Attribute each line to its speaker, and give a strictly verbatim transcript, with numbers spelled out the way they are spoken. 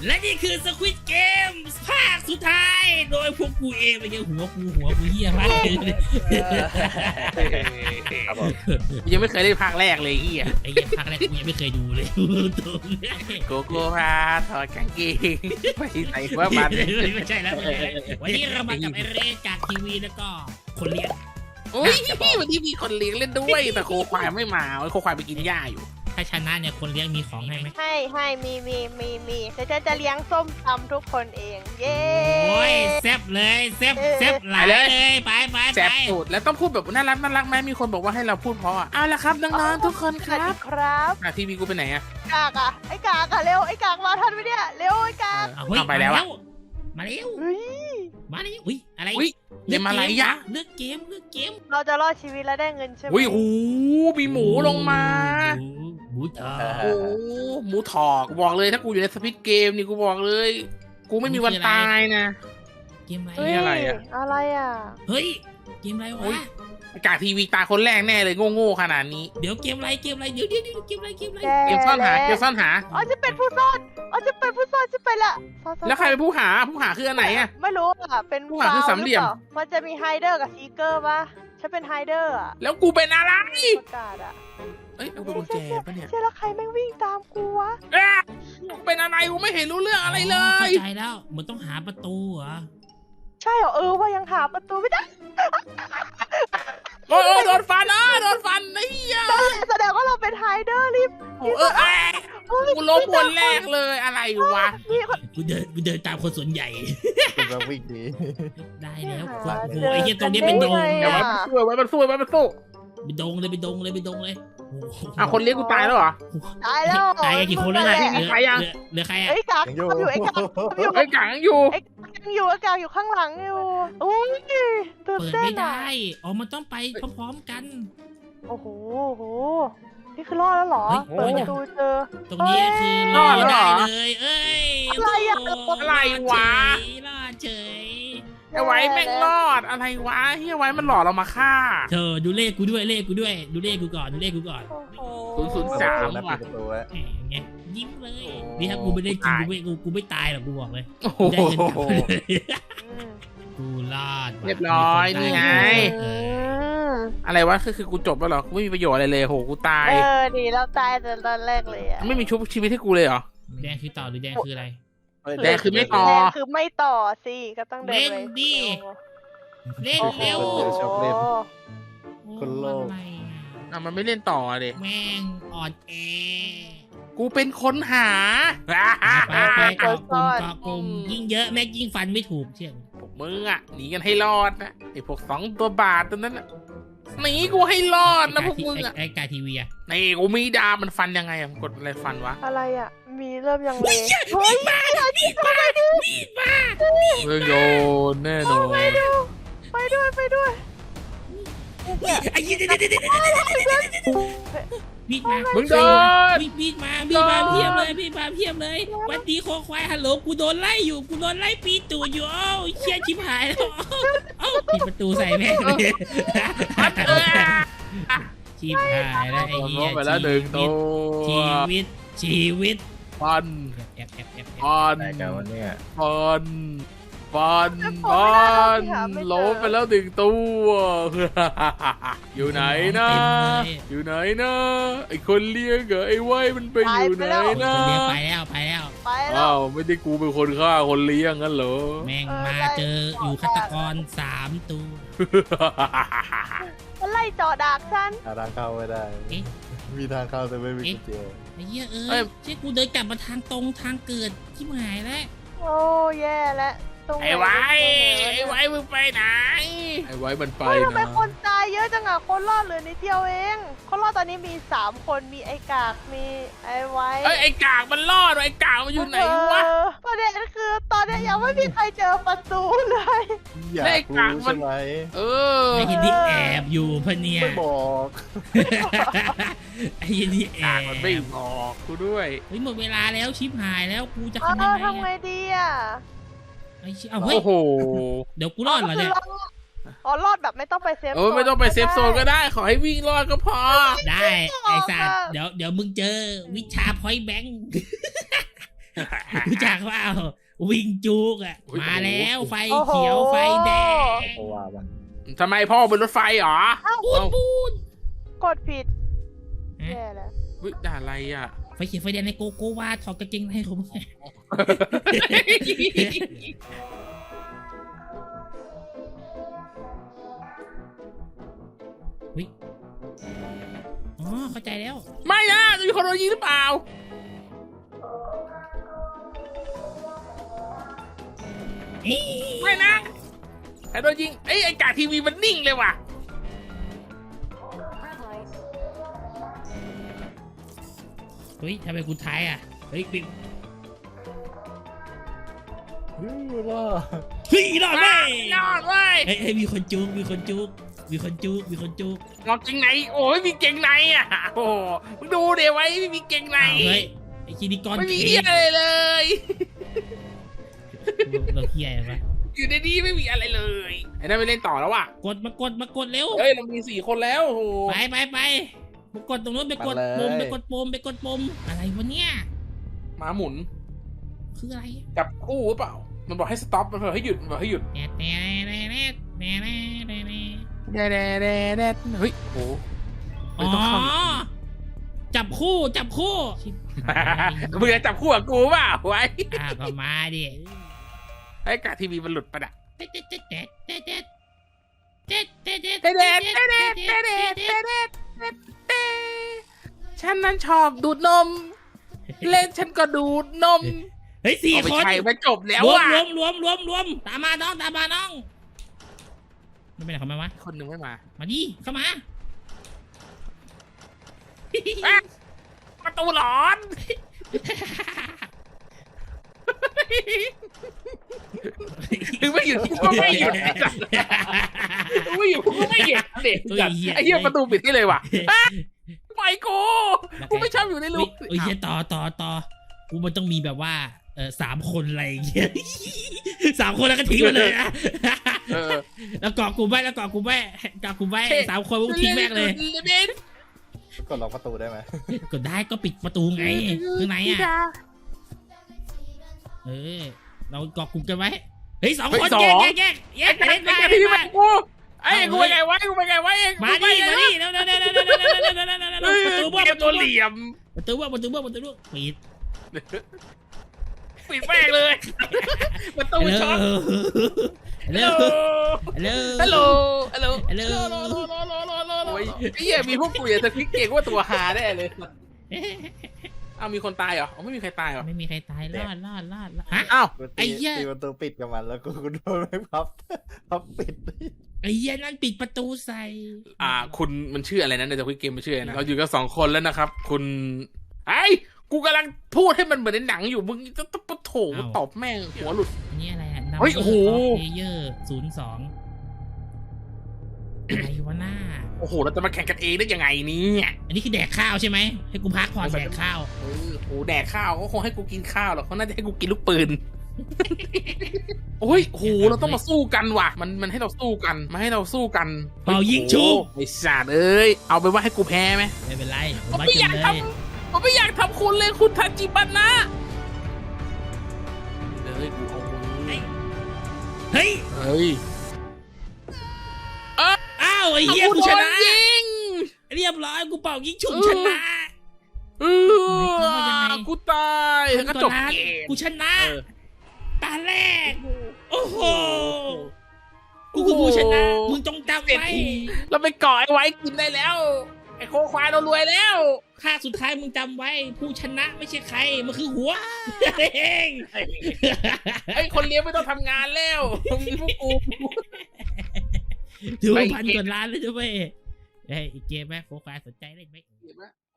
Speaker 1: และนี่คือสควิดเกมภาคสุดท้ายโดยพวกกูเองไปเจอหัวกูหัวกูเหี้ยมากเลย
Speaker 2: ยังไม่เคยได้ภาคแรกเลยเฮีย
Speaker 1: ไอ้เหี้ยภาคแรกกูยังไม่เคยดูเลยตรง
Speaker 2: โกโก้พาถอดกางเกงไปไหนว่ามัน
Speaker 1: ไม่ใช่แล้ววันนี้เรามากับไอเรจากทีวีแล้วก็คนเลี้ยง
Speaker 2: โอ้ยวันนี้มีคนเลี้ยงเล่นด้วยแต่โคควายไม่มาโคควายไปกินหญ้าอยู่
Speaker 1: ถ้าชนะเนี่ยคนเลี้ยงมีของให้ไหม
Speaker 3: ให้ให้มีมีมีมีแต่ฉันจะเลี้ยงส้มตำทุกคนเองเย้
Speaker 1: โอ้ยแซ่บเลยแซ่บแซ่บหลายเลยไปไปไป
Speaker 2: แซ่บสุดแล้วต้องพูดแบบน่ารักน่ารักไหมมีคนบอกว่าให้เราพูดเพราะอ่ะเอาละครับน้องๆทุกคนครับ
Speaker 3: ครับ
Speaker 2: อ่ะทีวีกูไปไหนอ่ะ
Speaker 3: กากอ่ะไอ้กากอ่ะเร็วไอ้กากมาทันไหมเนี่ยเร็วไอ้กาก
Speaker 1: เอาไปแล้วมาแล้ว
Speaker 3: เฮ้ย
Speaker 1: มาแล้วอุ้ยอะไร
Speaker 2: อุ้ยเกมอะไรยะ
Speaker 1: เลือกเกมเลือกเกม
Speaker 3: เราจะรอดชีวิตและได้เงินใช่ไหม
Speaker 2: อุ้ยโอ้มีหมูลงมา
Speaker 1: หมูทอ
Speaker 2: โอ้หมูถอกบอกเลยถ้ากูอยู่ในสปิดเกมนี่กูบอกเลย กูไม่มีวันตายนะ
Speaker 1: เกมอะไร
Speaker 3: เฮ้ย
Speaker 2: อะไรอะ
Speaker 3: อะไรอ่ะ
Speaker 1: เฮ้ยเกมอะไรวะ
Speaker 2: กาทีวีตาคนแรกแน่เลยโง่ๆขนาดนี้
Speaker 1: เดี๋ยวเกมอะไรเกมอะไรเดี๋ยวเดี๋ยวเดี๋ยวเกมอะไรเกมอะไร
Speaker 2: เกมซ่อนหาเกมซ่อนหา
Speaker 3: อ๋อจะเป็นผู้ซ่อนอ๋อจะเป็นผู้ซ่อนจะไปละซ่อนๆ
Speaker 2: แล้วใครเป็นผู้หาผู้หาคืออันไหนอะ
Speaker 3: ไม่รู้อ่ะเป็น
Speaker 2: ผู้หาคือสามเหลี่ยม
Speaker 3: ปามันจะมีไฮเดอร์กับซีเกอร์ปะฉันเป็นไฮเดอร์อ่ะ
Speaker 2: แล้วกูเป็นอะไร
Speaker 3: ประกาศอ่ะ
Speaker 2: เอ้ยเอาเป็นกุญแจปะเนี่ย
Speaker 3: ใช่แล้วใครแม่งวิ่งตามกูวะ
Speaker 2: เอ๊ะกูเป็นอะไรกูไม่เห็นรู้เรื่องอะไรเล
Speaker 1: เข้าย ใจแล้วมันต้องหาประตูเหรอ
Speaker 3: ใช่เหรอเออว่ายังหาประตูไม่ได้
Speaker 2: โอ้ยโดนฟันอ่ะโดนฟันไอ้เหี้ย
Speaker 3: แสดงว่าเราเป็นไฮเดอร์รีบ
Speaker 2: โอ้เออเอ้ยกูล้มคนแรกเลยอะไรวะ
Speaker 3: นี่คน
Speaker 1: กูเดินกูเดินตามคนส่วนใหญ่
Speaker 4: คุณมาวิ่งดี
Speaker 1: ได้แล้วโอ้โหไอ้เหี้ยตรงนี้เป็นดง
Speaker 2: เดี๋ยวไว้มันสู้ไว้มันสู้ไว้มันสู้
Speaker 1: เป็นดงเลยเป็นดงเลยเป็นดงเลย
Speaker 2: อ่ะคนเลี้ยงกูตายแล้วเหรอ
Speaker 3: ตายแล้ว
Speaker 1: ตายกันกี่คนแล้วนะ
Speaker 2: ที่มีใครยัง
Speaker 1: เหลือใครอ่ะ
Speaker 3: ไอ้กาก
Speaker 4: ยังอยู่
Speaker 3: ทำอยู่ไอ้กากทำอยู่
Speaker 2: ไอ้กังอยู่
Speaker 3: ไอ้กากยังอยู่ไอ้กากอยู่ข้างหลังอยู่โอ้ยตื่น
Speaker 1: เปิด
Speaker 3: เต้น
Speaker 1: ไม่
Speaker 3: อ่ะ
Speaker 1: ได้อ๋อมันต้องไปพร้อมๆกัน
Speaker 3: โอ้โหโอ้โหนี่คือรอดแล้วเหรอ
Speaker 1: เฮ้ย
Speaker 3: เปิดประตูเจอ
Speaker 1: ตรงนี้คือรอดได้เลยเอ้ย
Speaker 3: อะไรอะ
Speaker 2: อะไรวะ
Speaker 1: รอดเฉย
Speaker 2: ไอ้ไว้แม่งรอดอะไรวะเฮียไว้มันหลอกเรามาฆ่า
Speaker 1: เธอดูเลขกูด้วยเลขกูด้วยดูเลขกูก่อนดูเลขกูก่อน
Speaker 3: โอ้โห
Speaker 2: ศูนย์ศูนย์สาม
Speaker 4: นะ
Speaker 2: ว่ะ
Speaker 4: ปิดประตูไว้
Speaker 1: แหมไงยิ้มเลยนี่ถ้ากูไม่ได้จริงกูไม่กูกูไม่ตายหรอกกูบอกเลย
Speaker 2: โอ้โห
Speaker 1: ได้เงินกลับมาเลย
Speaker 3: อืม
Speaker 1: กูรอดว่ะ
Speaker 2: เรียบร้อย
Speaker 1: มีค
Speaker 2: นี่ไง
Speaker 3: อืม
Speaker 2: อะไรวะคือคือกูจบแล้วเหรอกูไม่มีประโยชน์อะไรเลยโหกูตาย
Speaker 3: เออดีเราตายแต่ตอนแรกเลยอ่ะ
Speaker 2: ไม่มีชุบชีวิตให้กูเลยเหรอ
Speaker 1: แดงคือต่อหรือแดงคืออะไร
Speaker 2: แดงคือไม่ต่อ
Speaker 3: แดงคือไม่ต่อสิก็ต้องเดินไป
Speaker 1: เล่นดิ เล่น
Speaker 3: โอ้โห
Speaker 1: เร็ว
Speaker 4: ชอบเล่น
Speaker 1: โอ้
Speaker 4: คนโลก
Speaker 1: อะไรอ่ะ
Speaker 2: อ่ะมันไม่เล่นต่อเลย
Speaker 1: แม่งอ่อนแอ
Speaker 2: กูเป็นคนหา
Speaker 1: ไปไปเกาะกลุ่มเกาะกลุ่มยิ่งเยอะแม่งยิ่งฟันไม่ถูกเชื่อ
Speaker 2: พวกมึงอ่ะหนีกันให้รอดนะไอ้พวกสองตัวบาทตัวนั้นน่ะหนีกูให้รอดนะพวกมึงอ่ะ
Speaker 1: ไอ้กาทีวีอ่ะ
Speaker 2: นี่กูมีดาบมันฟันยังไงอ่ะมันกดอะไรฟันวะ
Speaker 3: อะไรอ่ะ มีเริ่มยังเลยเฮ้ย
Speaker 1: มีดมามีดมา
Speaker 2: เรื่องโยนแน่นอน
Speaker 3: ไปด้วยไปด้วย
Speaker 1: ไอ้ยี่เด็ดเด็ดเด็ดมีดมา
Speaker 2: มึงโดน
Speaker 1: มีมีดมามีดมาเพียบเลยมีดมาเพียบเลยวันดีโคควายฮัลโหลกูโดนไล่อยู่กูโดนไล่ปีตูดอยู่เอ้าเชี่ยชิบหายแล้วเอ้าปิดประตูใส่แม่งเลยชิบหายแล้วไอ้เหี้ย
Speaker 2: ไปแล้วหนึ่งตัว
Speaker 1: ชีวิตชีวิต
Speaker 2: ฟัน
Speaker 1: แอบแอบแอบแอบ
Speaker 2: ฟัน
Speaker 4: ไหนกันวันนี้
Speaker 2: ฟันฟันฟันล้มไปแล้วหนึ่งตัวอยู่ไหนนะ
Speaker 1: เต็มเลย
Speaker 2: อยู่ไหนนะไอคนเลี้ยงเหรอไอ้ไว้มันไปอยู่ไหน
Speaker 1: คน
Speaker 2: นะ
Speaker 1: เดียวไปแล้วไปแล้ว
Speaker 3: ไปแล้ว
Speaker 2: อ้าวไม่ได้กูเป็นคนฆ่าคนเลี้ยงงั้นเหรอ
Speaker 1: แม่งมาเจออยู่ฆาตกรสามตัว
Speaker 3: มันไล่จ่อดากฉัน
Speaker 4: หาทางเข้าไม่ได้ มีทางเข้าแต่ไม่มีกุญแจ
Speaker 1: ไอ้เหี้ยเอ้ยเช่กูเดินกลับมาทางตรงทางเกิดที่หายแล้ว
Speaker 3: โอ้แย่แล้วตรงหน
Speaker 2: ไอ้ไว้
Speaker 3: ตรง
Speaker 2: ไอ้
Speaker 3: หน
Speaker 2: ไว้มึงไปไหนไอ้ไว้มันไป
Speaker 3: เฮ้ยทำไม
Speaker 2: นะ
Speaker 3: คนตายเยอะจังอะคนรอดเหลือนิดเดียวเอง คนรอดตอนนี้มีสามคนมีไอ้กากมีไอ้ไว้
Speaker 2: เอ้ยไอ้กากมันรอดไอ้กากมันอยู่ไหนวะ
Speaker 3: เออประเด็นคือตอนนี้ยังไม่มีใครเจอประตูเลย
Speaker 4: อยาก
Speaker 2: เลขกลาง
Speaker 4: รู้
Speaker 2: มัน
Speaker 4: ใช่ไหม
Speaker 2: เออ
Speaker 1: ไอ้ยินที่แอบอยู่พะเนี่ย
Speaker 4: ไม่บอก
Speaker 1: ไอ้ยินที่แอก
Speaker 2: าก
Speaker 1: บ
Speaker 2: มันไม่บอกกูด้วย
Speaker 1: เฮ้ยหมดเวลาแล้วชิปหายแล้วกูจะ
Speaker 3: เอ
Speaker 1: ทำยัง
Speaker 3: อ
Speaker 1: ไง
Speaker 3: ทำไง
Speaker 1: อะ
Speaker 3: ดีอะ
Speaker 1: ไอ้ชิเอาเฮ้ย
Speaker 2: โอ้โห
Speaker 1: เดี๋ยวกูรอดเหรอเนี่ย
Speaker 3: อ๋อรอดแบบไม่ต้องไปเซฟ
Speaker 2: เออไม่ต้องไปเซฟโซนก็ได้ขอให้วิ่งรอดก็พอ
Speaker 1: ได้ไอ้สัตว์เดี๋ยวเดี๋ยวมึงเจอวิชาพอยต์แบงค์รู้จักว่าวิ่งจุกอ่ะมาแล้วไฟเขียวไฟแดง
Speaker 4: โอ้ว่าบ้าง
Speaker 2: ทำไมพ่อบนรถไฟเหรอ
Speaker 1: ปูนปูน
Speaker 3: กดผิดแย่แล้ว
Speaker 2: วิด่าอะไรอ่ะ
Speaker 1: ไฟเขียวไฟแดงในโกโก้วาถอดกางเกงในของมึงวิอ๋อเข้าใจแล้ว
Speaker 2: ไม่นะจะมีคนโดนยิงหรือเปล่าไม่นะใครโดนยิงเอ้ยไอ้กาทีวีมันนิ่งเลยว่ะ
Speaker 1: เฮ้ยทำไมกูท้ายอ่ะเฮ้ยปิ๊บ
Speaker 4: เฮ้ยล่ะ
Speaker 1: เฮ้ยรอดเว้ย
Speaker 2: ยอดเว้ย
Speaker 1: เฮ้ยเฮ้ยมีคนจุกมีคนจุกมีคนจุกมีคนจุก
Speaker 2: งอกเกงในโอ้ยมีเกงในอ่ะโอ้โหมึงดูเดี๋ยวไว้ไม่มีเกงใน
Speaker 1: อ้าวเฮ้ยไอ้คินิกร
Speaker 2: ไม่มี
Speaker 1: เค้
Speaker 2: เหี้ย
Speaker 1: ก
Speaker 2: อะไรเลย
Speaker 1: เราเฮียอะไรวะ
Speaker 2: อยู่ในนี้ไม่มีอะไรเลยไอ้นั่นไม่เล่นต่อแล้วว่ะ
Speaker 1: กดมากดมากดเร็ว
Speaker 2: เฮ้ยเรามีสี่คนแล้วโอ้โห
Speaker 1: ไปไปไปไปกดตรงนู้นไปกดปุ่มไปกดปุ่มไปกดปุ่มอะไรวะเนี่ย
Speaker 2: หมาหมุน
Speaker 1: คืออะไร
Speaker 2: จับคู่หรือเปล่ามันบอกให้สต็อปมันบอกให้หยุดมันบอกให้หยุด
Speaker 1: แน่แน่แน่แน่แน่แน่แน่แน่
Speaker 2: แด่แด่แด่แด่เฮ้ยโอ้
Speaker 1: อ๋อจับคู่จับคู่ชิบหาย
Speaker 2: มึงจะจับคู่กับกูเปล่าไว้
Speaker 1: อ่าก็มาดิ
Speaker 2: ไอ้กาทีวีมันหลุดไปะน่ะ
Speaker 1: เด็ดเด็ดเด็ดเด็ดเด็ดเด็ดเด็ดเด็ด
Speaker 2: เด็ดเด็ดเด็ดเด็ดเด็ดเด็ดเด็ดเด็ดเด็ดเด็ดฉันนั้นชอบดูดนม เล่นฉันก็ดูดนม
Speaker 1: เฮ้ยสี่
Speaker 2: เอาไป
Speaker 1: คน
Speaker 2: ใช้ไปจบแล้ว
Speaker 1: รวม
Speaker 2: อ่ะ
Speaker 1: รวมรวมรวมรวมตามมาน้องตามมาน้องไม่เป็นไรเขามาวะ
Speaker 2: คนหนึ่งไม่มา
Speaker 1: มาดิเข้ามา
Speaker 2: อ่ะประตูหลอนถึงไม่หยุดกูก็ไม่หยุดถึงไม่หยุดกูก็ไม่หยุดเด็กจัดไอ้เหี้ยประตูปิดที่เลยว่ะปล่อยกูกูไม่ชอบอยู่ใน
Speaker 1: เฮ้
Speaker 2: ลู
Speaker 1: ย
Speaker 2: ก
Speaker 1: เฮ้ยเหี้ยต่อต่อต่อกูมันต้องมีแบบว่าเออสามคนอะไรอย่างเงี้ยสามคนแล้วก็ทิ้งมันเลยนะ
Speaker 2: เออ
Speaker 1: แล้วเกาะกูไว้แล้วเกาะกูไว้เกาะกูไว้สามคนกูทิ้งแม่งเลย
Speaker 4: กดล็อกประตูได้ไหม
Speaker 1: กดได้ก็ปิดประตูไงข้างในอ่ะเออเราเกาะกลุ่มกันไว้เฮ้ยสองคนแยกแยกแยกแยก
Speaker 2: ไอ้
Speaker 1: เล่นมา
Speaker 2: ไอ้
Speaker 1: เล่น
Speaker 2: ที่
Speaker 1: มา
Speaker 2: มันกูไอ้กูไปไงไว้กูไปไงไว้เอง
Speaker 1: มาดิมาดิเร็วเร็วเร็วเร็วเร็วเร็วเร็วเร็วเร็วเร็วเร็วเร็วประตูบ้า
Speaker 2: เก
Speaker 1: ป
Speaker 2: ม
Speaker 1: ระ
Speaker 2: ตั
Speaker 1: ตู
Speaker 2: วเหลี่ยม
Speaker 1: ประตูบ้าประตูบ้าประตูบ้าปิด
Speaker 2: ปิดแม่งเลยประตูช็อต
Speaker 1: ฮัลโหล
Speaker 2: ฮัลโหล
Speaker 1: ฮัลโหล
Speaker 2: ฮัลโหล
Speaker 1: ฮัลโหล
Speaker 2: โอ้ยไอ้เหี้ยมีพวกกูอย่าจะพิกเก่งว่าตัวหาแน่เลยอ้าวมีคนตายเหรออ๋อไม่มีใครตายเหรอ
Speaker 1: ไม่มีใครตายรอดรอดรอดฮะ
Speaker 2: อ้าว
Speaker 4: กู
Speaker 1: ไอ้
Speaker 4: ตี
Speaker 1: เหี้ย
Speaker 4: ตีประตูปิดกับมันแล้วกูกูโดนไม่พับพับปิด
Speaker 1: ไอ้เหี้ยนั่นปิดประตูใส่
Speaker 2: อ่าคุณมันชื่ออะไรนะในตัวพิกเกมมันชื่ออะไรนะเราอยู่กันสองคนแล้วนะครับ คุณไอ้กูกำลังพูดให้มันเหมือนในหนังอยู่มึงจะตบโถตอบแม่งหัวหลุด
Speaker 1: อันนี้อะไรอ่ะ
Speaker 2: เฮ้ยโอ้โห
Speaker 1: เพลเยอร์ศูนย์สองอะไรวะหน้า
Speaker 2: โอ้โหเราจะมาแข่งกันเองได้ยังไงเนี่ย
Speaker 1: อันนี้คือแดกข้าวใช่ไหมให้กูพักผ่อนแดกข้าว
Speaker 2: เออโหแดกข้าวเขาคงให้กูกินข้าวหรอกเขาน่าจะให้กูกินลูกปืน โอ้ยโหเราต้องมาสู้กันว่ะ มันมันให้เราสู้กันมาให้เราสู้กัน
Speaker 1: เป่ายิงชุบ
Speaker 2: ไอ้สัตว์เอ้ยเอาไปว่าให้กูแพ้ไหม
Speaker 1: ไม่เป็นไรผม
Speaker 2: ผม
Speaker 1: มา
Speaker 2: ไม่
Speaker 1: จ
Speaker 2: อน ยาก
Speaker 1: เล
Speaker 2: ท
Speaker 1: ย
Speaker 2: ำผมไม่อยากทำคุณเลยคุณทาจิบันนะเฮ้ยกูเอามือ
Speaker 1: เฮ้ย
Speaker 2: เฮ้ย
Speaker 1: อ้าวไอ้เหี้ยกูชนะ
Speaker 2: โดยิง
Speaker 1: เรียบร้อยกูเป่ายิงฉุบชนะ
Speaker 2: เออกูตายแล้วก็จบเกม
Speaker 1: กูชนะ
Speaker 2: เออ
Speaker 1: ตาแรก โอ้โห กูคือผู้ชนะ มึงจงจำ
Speaker 2: เสร็จ
Speaker 1: ไว้
Speaker 2: เราไปเกาะไอ้ไว้กินได้แล้ว ไอ้โคควายเรารวยแล้ว
Speaker 1: ค่าสุดท้ายมึงจำไว้ ผู้ชนะไม่ใช่ใคร มันคือหัวเอง
Speaker 2: ไอ้คนเลี้ยงไม่ต้องทำงานแล้วมีพวกกู
Speaker 1: ถือว่าพันกว่าล้านเลยด้วยเฮ้ยอีกเกมไหมโฟกัสสนใจเล่นไหม